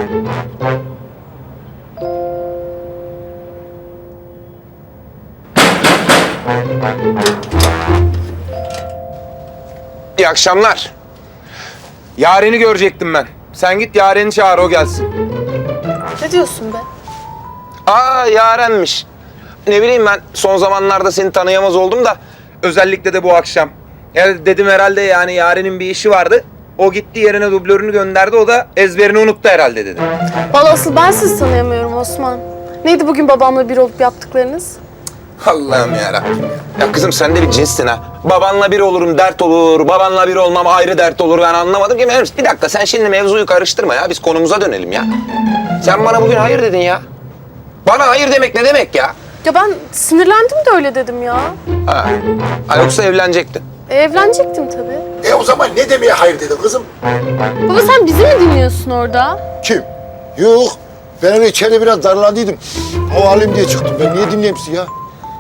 İyi akşamlar. Yaren'i görecektim ben. Sen git Yaren'i çağır, o gelsin. Ne diyorsun be? Aa, Yaren'miş. Ne bileyim, ben son zamanlarda seni tanıyamaz oldum da özellikle de bu akşam. Ya dedim herhalde, yani Yaren'in bir işi vardı. O gitti, yerine dublörünü gönderdi, o da ezberini unuttu herhalde dedim. Vallahi asıl ben sizi tanıyamıyorum Osman. Neydi bugün babamla bir olup yaptıklarınız? Allah'ım yarabbim. Ya kızım, sen de bir cinssin ha. Babanla bir olurum dert olur, babanla bir olmam ayrı dert olur. Ben anlamadım ki. Bir dakika, sen şimdi mevzuyu karıştırma ya. Biz konumuza dönelim ya. Sen bana bugün hayır dedin ya. Bana hayır demek ne demek ya? Ya ben sinirlendim de öyle dedim ya. Ha, yoksa evlenecektin. Evlenecektim tabii. O zaman ne demeye hayır dedin kızım? Baba sen bizi mi dinliyorsun orada? Kim? Yok. Ben öyle içeride biraz darlandıydım. Hava alayım diye çıktım. Ben niye dinleyeyim sizi ya?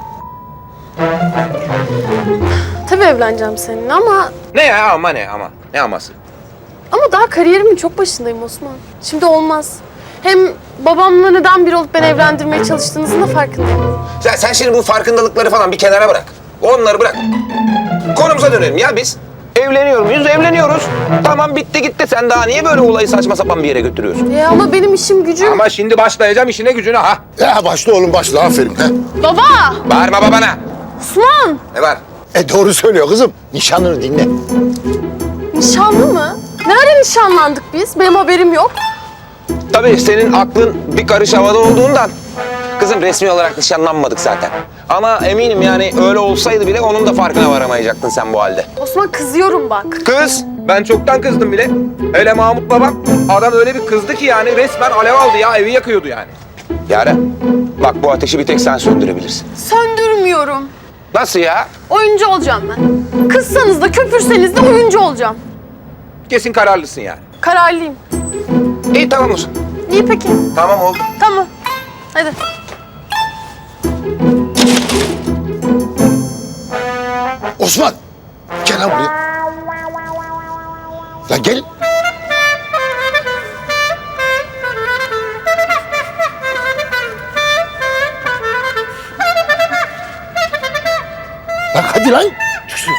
Tabii evleneceğim seninle ama Ne ya, ama ne ama? Ne aması? daha kariyerimin çok başındayım Osman. Şimdi olmaz. Hem babamla neden bir olup beni evlendirmeye çalıştığınızın da farkındayım. Sen şimdi bu farkındalıkları falan bir kenara bırak. Onları bırak. Konumuza dönelim ya biz. Evleniyor muyuz? Evleniyoruz. Tamam, bitti gitti. Sen daha niye böyle olayı saçma sapan bir yere götürüyorsun? Ama benim işim gücüm... Ama şimdi başlayacağım işine gücüne ha. Ya başla oğlum başla. Aferin. He. Baba! Bağırma babana. Osman! Ne var? Doğru söylüyor kızım. Nişanlını dinle. Nişanlı mı? Nerede nişanlandık biz? Benim haberim yok. Tabii senin aklın bir karış havada olduğundan. Kızım, resmi olarak nişanlanmadık zaten. Ama eminim yani öyle olsaydı bile onun da farkına varamayacaktın sen bu halde. Osman kızıyorum bak. Kız, ben çoktan kızdım bile. Hele Mahmut babam, adam öyle bir kızdı ki yani resmen alev aldı ya, evi yakıyordu yani. Yaren, bak bu ateşi bir tek sen söndürebilirsin. Söndürmüyorum. Nasıl ya? Oyuncu olacağım ben. Kızsanız da köpürseniz de oyuncu olacağım. Kesin kararlısın yani. Kararlıyım. İyi, tamam o zaman. İyi peki. Tamam, oldu. Tamam. Hadi. Osman. Gel lan buraya. Lan gel. Lan hadi lan. Düşsün.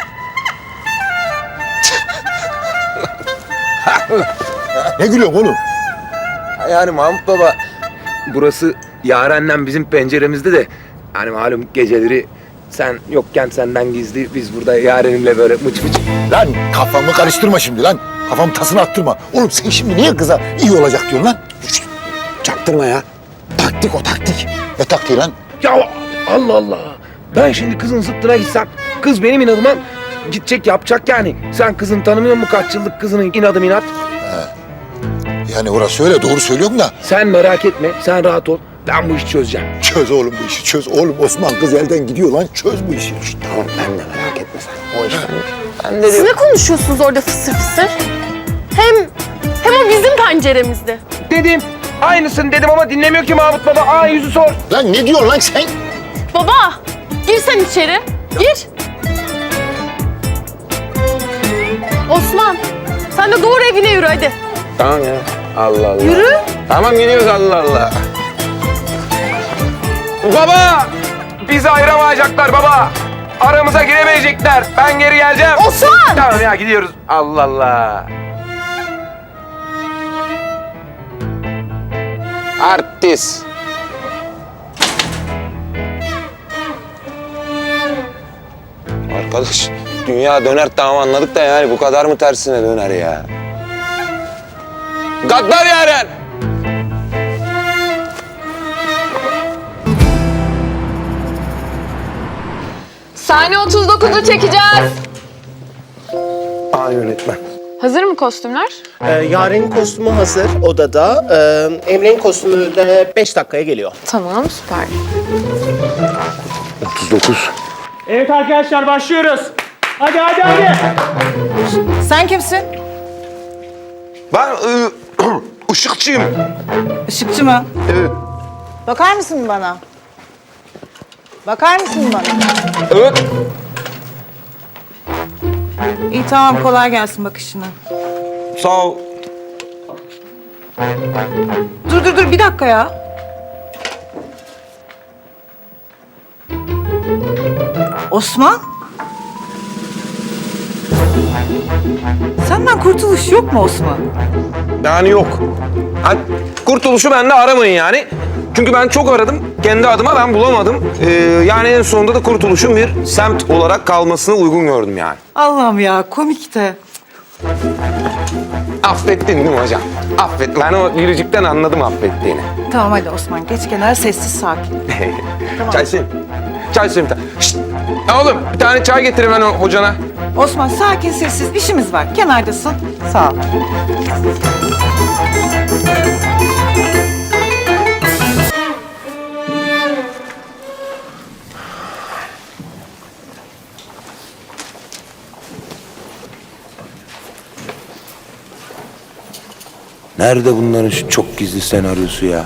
Ne gülüyorsun oğlum? Yani Mahmut baba, burası Yaren'le bizim penceremizde de hani malum geceleri sen yokken senden gizli biz burada Yaren'imle böyle mıç mıç. Lan kafamı karıştırma şimdi lan. Kafamı tasını attırma. Oğlum sen şimdi niye kıza iyi olacak diyorsun lan? Şşt, çaktırma ya. Taktik o taktik. Ne taktiği lan? Ya Allah Allah. Ben şimdi kızın zıttına gitsem, kız benim inadıma gidecek, yapacak yani. Sen kızın tanımıyor musun, kaç yıllık kızının inadım inat? Yani orası öyle doğru söylüyorum da. Sen merak etme, sen rahat ol. Ben bu işi çözeceğim. Çöz oğlum bu işi çöz. Oğlum Osman kız elden gidiyor lan. Çöz bu işi. Şşt, Tamam, ben de merak etme sen. O iş ben de Siz ne konuşuyorsunuz orada fısır fısır? Hem o bizim penceremizdi. dedim. Aynısını dedim ama dinlemiyor ki Mahmut baba. Aa, yüzü sor. Lan ne diyorsun lan sen? Baba, gir sen içeri. Gir. Osman, sen de doğru evine yürü hadi. Tamam ya. Allah Allah. Yürü. Tamam, gidiyoruz, Allah Allah. Baba! Bizi ayıramayacaklar baba. Aramıza giremeyecekler. Ben geri geleceğim. Osman! Tamam ya, gidiyoruz. Allah Allah. Artist. Arkadaş, dünya döner tamam anladık da yani bu kadar mı tersine döner ya? Gaddar Yaren! Sahne 39'u çekeceğiz. Aa, yönetmen. Hazır mı kostümler? Yaren'in kostümü hazır odada. Emre'nin kostümü de 5 dakikaya geliyor. Tamam, süper. 39. Evet arkadaşlar, başlıyoruz. Hadi hadi hadi. Sen kimsin? Ben ışıkçıyım. Işıkçı mı? Evet. Bakar mısın bana? Bakar mısın bana? Evet. İyi tamam kolay gelsin bakışına. Sağ ol. Dur bir dakika ya. Osman? Senden kurtuluş yok mu Osman? Yani yok. Ha, kurtuluşu bende aramayın yani. Çünkü ben çok aradım. Kendi adıma ben bulamadım. Yani en sonunda da kurtuluşun bir semt olarak kalmasını uygun gördüm yani. Allah'ım ya komik de. Affettin değil mi hocam? Affet. Ben o gülücükten anladım affettiğini. Tamam hadi Osman geç kenara sessiz sakin. Çay söyleyeyim. Çay söyleyeyim bir tane. Şşt! Ya oğlum bir tane çay getir hemen o hocana. Osman sakin sessiz işimiz var. Kenardasın. Sağ ol. Nerede bunların şu çok gizli senaryosu ya?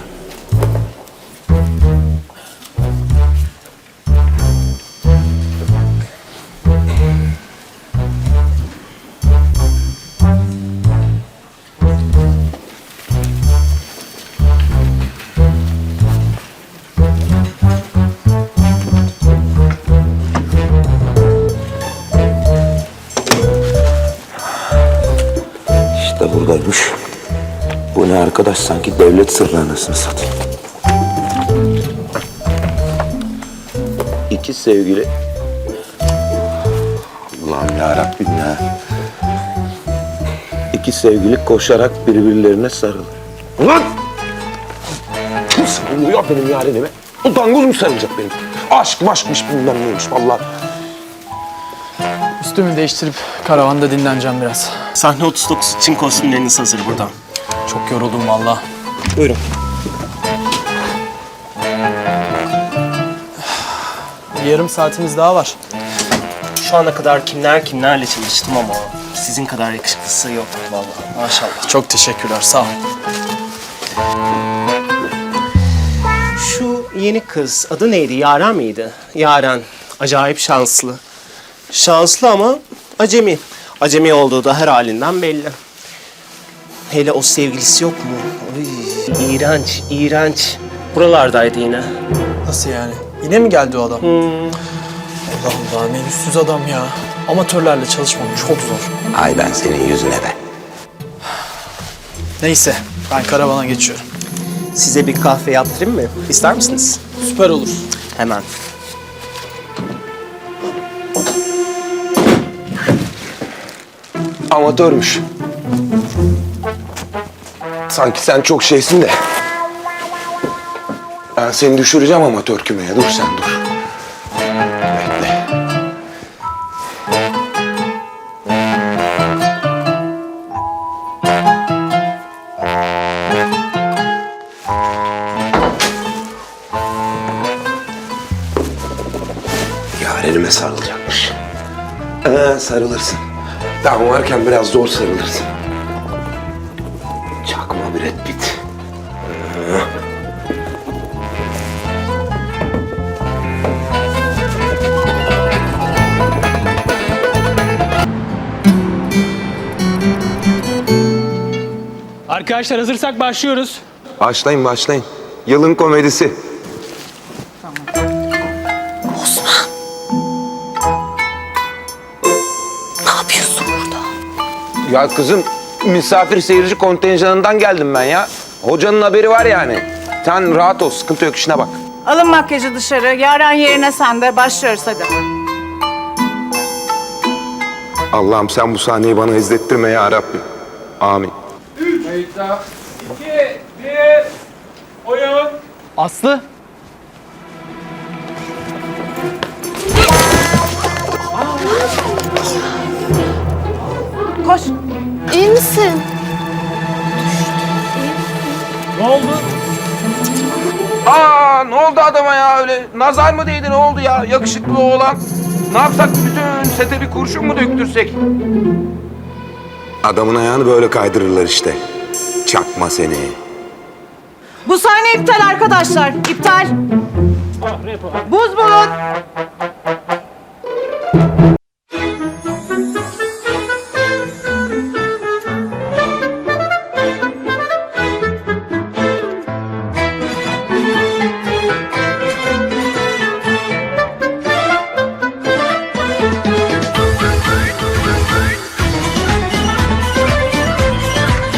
İşte buradaymış. Bu ne arkadaş, sanki devlet sırrı anasını satayım. İki sevgili. Allah'ım yarabbim ya. İki sevgili koşarak birbirlerine sarılır. Ulan! Kim sarılıyor benim yarenime? Utangoz mu sarılacak benim? Aşk maşkmış bilmem neymiş vallahi. Üstümü değiştirip karavanda dinleneceğim biraz. Sahne 39 için kostümleriniz hazır burada. Çok yoruldum valla. Buyurun. Yarım saatimiz daha var. Şu ana kadar kimlerle çalıştım ama sizin kadar yakışıklısı yok vallahi. Maşallah. Çok teşekkürler, sağ ol. Şu yeni kız adı neydi? Yaren miydi? Yaren. Acayip şanslı. Şanslı ama acemi. Acemi olduğu da her halinden belli. Hele o sevgilisi yok mu? Ay, iğrenç, iğrenç. Buralardaydı yine. Nasıl yani? Yine mi geldi o adam? Allah'ım daha ne yüzsüz adam ya. Amatörlerle çalışmam çok zor. Ay ben senin yüzüne be. Neyse, ben karavana geçiyorum. Size bir kahve yaptırayım mı? İster misiniz? Süper olur. Hemen. Amatörmüş. Sanki sen çok şeysin de. Ben seni düşüreceğim amatör kümeye. Dur sen dur. Bekle. Yarenime sarılacakmış. Sarılırsın. Tam varken biraz zor sarılırsın. Çakma Brad Pitt. Arkadaşlar hazırsak başlıyoruz. Başlayın başlayın. Yılın komedisi. Ya kızım, misafir seyirci kontenjanından geldim ben ya. Hocanın haberi var yani. Sen rahat ol, sıkıntı yok, işine bak. Alın makyajı dışarı. Yaren yerine sen de. Başlıyoruz hadi. Allah'ım sen bu sahneyi bana izlettirme ya Rabbim. Amin. Aslı. Koş. İyi misin? Ne oldu? Aa, ne oldu adama ya öyle? Nazar mı değdi, ne oldu ya? Yakışıklı oğlan. Ne yapsak, bütün sete bir kurşun mu döktürsek? Adamın ayağını böyle kaydırırlar işte. Çakma seni. Bu sahne iptal arkadaşlar. İptal. Buz bulun.